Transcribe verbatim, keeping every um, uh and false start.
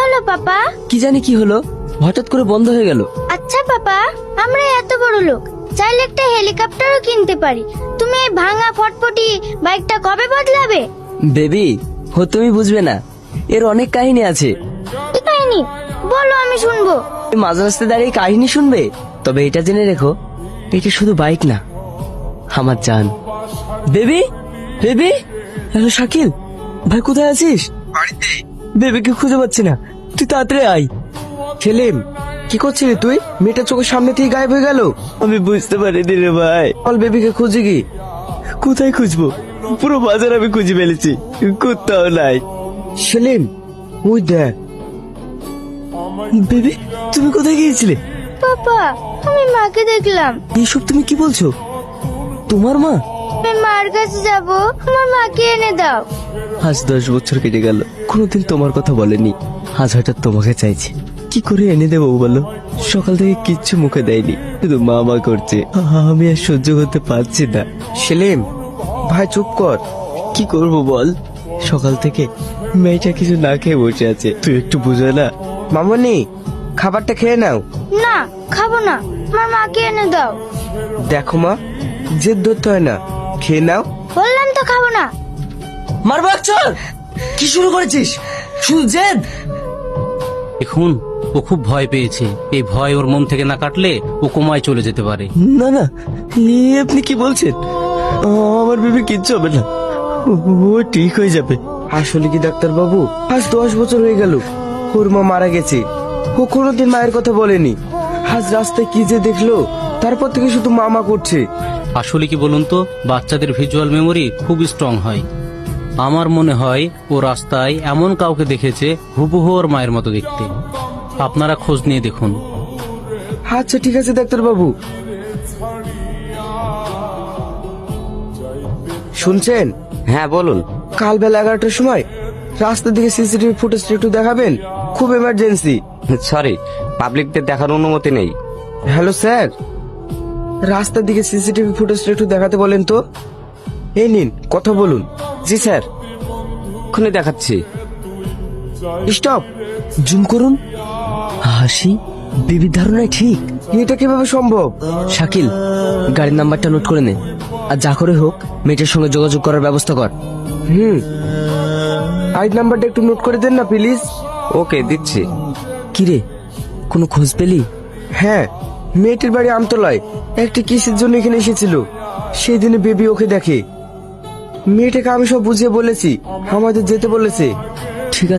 হলো পাপা? কি জানি কি হলো, হঠাৎ করে বন্ধ হয়ে গেল। আচ্ছা পাপা, আমরা এত বড় লোক, চাইলে একটা হেলিকপ্টারও কিনতে পারি। তুমি এই ভাঙা ফটফটি বাইকটা কবে বদলাবে? বেবি, ও তুমি বুঝবে না, এর অনেক কাহিনী আছে। কি কাহিনী বলো, আমি শুনবো। তুমি মাঝ রাস্তায় দাঁড়িয়ে কাহিনী শুনবে? তবে এটা জেনে রেখো, এটা শুধু বাইক না, আমার জান। বেবি, বেবি, হ্যালো শাকিল ভাই, কোথায় আছিস? বাড়িতে। বেবিকে খুঁজে পাচ্ছি না, তুই তাড়াতাড়ি আয়। সেলিম, কি করছিলি তুই? মেয়েটা চোখের সামনে থেকে গায়েব হয়ে গেল। আমি বুঝতে পারিনি রে ভাই। বল, বেবিকে খুঁজে কি? কোথায় খুঁজবো? পুরো বাজার আমি খুঁজে ফেলেছি, কোথাও নাই। সেলিম, ওই দেখ। বেবি, তুমি কোথায় গিয়েছিলে? পাপা, আমি মাকে দেখলাম। এইসব তুমি কি বলছো? তোমার মা? আমি মার কাছে যাব, আমার মাকে এনে দাও। আজ দশ বছর কেটে গেল, কোনোদিন তোমার কথা বলেনি, আজ হঠাৎ তোমাকে চাইছে। কি করে এনে দেবো বলো? সকাল থেকে কিচ্ছু মুখে দেয়নি, শুধু মা মা করছে। আমি আর সহ্য করতে পারছি না। সেলিম ভাই, চুপ কর। কি করব বল, সকাল থেকে মেয়েটা কিছু না খেয়ে বসে আছে, তুই একটু বুঝো না। মামনি, খাবারটা খেয়ে নাও। না, খাবো না, আমার মাকে এনে দাও। দেখো মা, জেদ ধরতে হয় না, খেয়ে নাও। বললাম তো খাবো না। মারবো চল। কি শুরু করেছিস? শুধু জেদ। দেখুন, ও খুব ভয় পেয়েছে। এই ভয় ওর মন থেকে না কাটলে ও কোমায় চলে যেতে পারে। না না, এ আপনি কি বলছেন? আমার বেবি কিচ্ছু হবে না, ও- ও ঠিক হয়ে যাবে। আসলে কি ডাক্তার বাবু, আজ দশ বছর হয়ে গেল ওর মা মারা গেছে। ও কোনোদিন মায়ের কথা বলেনি। আজ রাস্তায় কি যে দেখলো, তারপর থেকে শুধু মামা করছে। আসলে কি বলুন তো, বাচ্চাদের ভিজুয়াল মেমোরি খুব স্ট্রং হয়। আমার মনে হয় ও রাস্তায় এমন কাউকে দেখেছে হুবহু ওর মায়ের মতো দেখতে। আপনারা খোঁজ নিয়ে দেখুন। আচ্ছা ঠিক আছে ডাক্তার বাবু। শুনছেন? হ্যাঁ বলুন। কাল বেলা এগারোটার সময় রাস্তার দিকে সিসিটিভি ফুটেজটা একটু দেখাবেন, খুব এমার্জেন্সি। সরি, পাবলিকদের দেখার অনুমতি নেই। হ্যালো স্যার, রাস্তার দিকে সিসিটিভি ফুটেজটা একটু দেখাতে বলেন তো। এই নিন, কথা বলুন। জি স্যার, এক্ষুনি দেখাচ্ছি। স্টপ। জুম করুন। হাসি, বেবির ধারণায় ঠিক। এটা কিভাবে সম্ভব? শাকিল, গাড়ির নাম্বারটা নোট করে নে, আর যা করে হোক মেয়েটার সঙ্গে যোগাযোগ করার ব্যবস্থা কর। হুম, আইড নাম্বারটা একটু নোট করে দেন না প্লিজ। ওকে, দিচ্ছি। কিরে, কোনো খোঁজ পেলি? হ্যাঁ, মেয়েটির বাড়ি আমতলায়। একটা কিসের জন্য এখানে এসেছিল, সেই দিনে বেবি ওকে দেখে। মেয়েটাকে আমি সব বুঝিয়ে বলেছি, আমাদের যেতে বলেছে।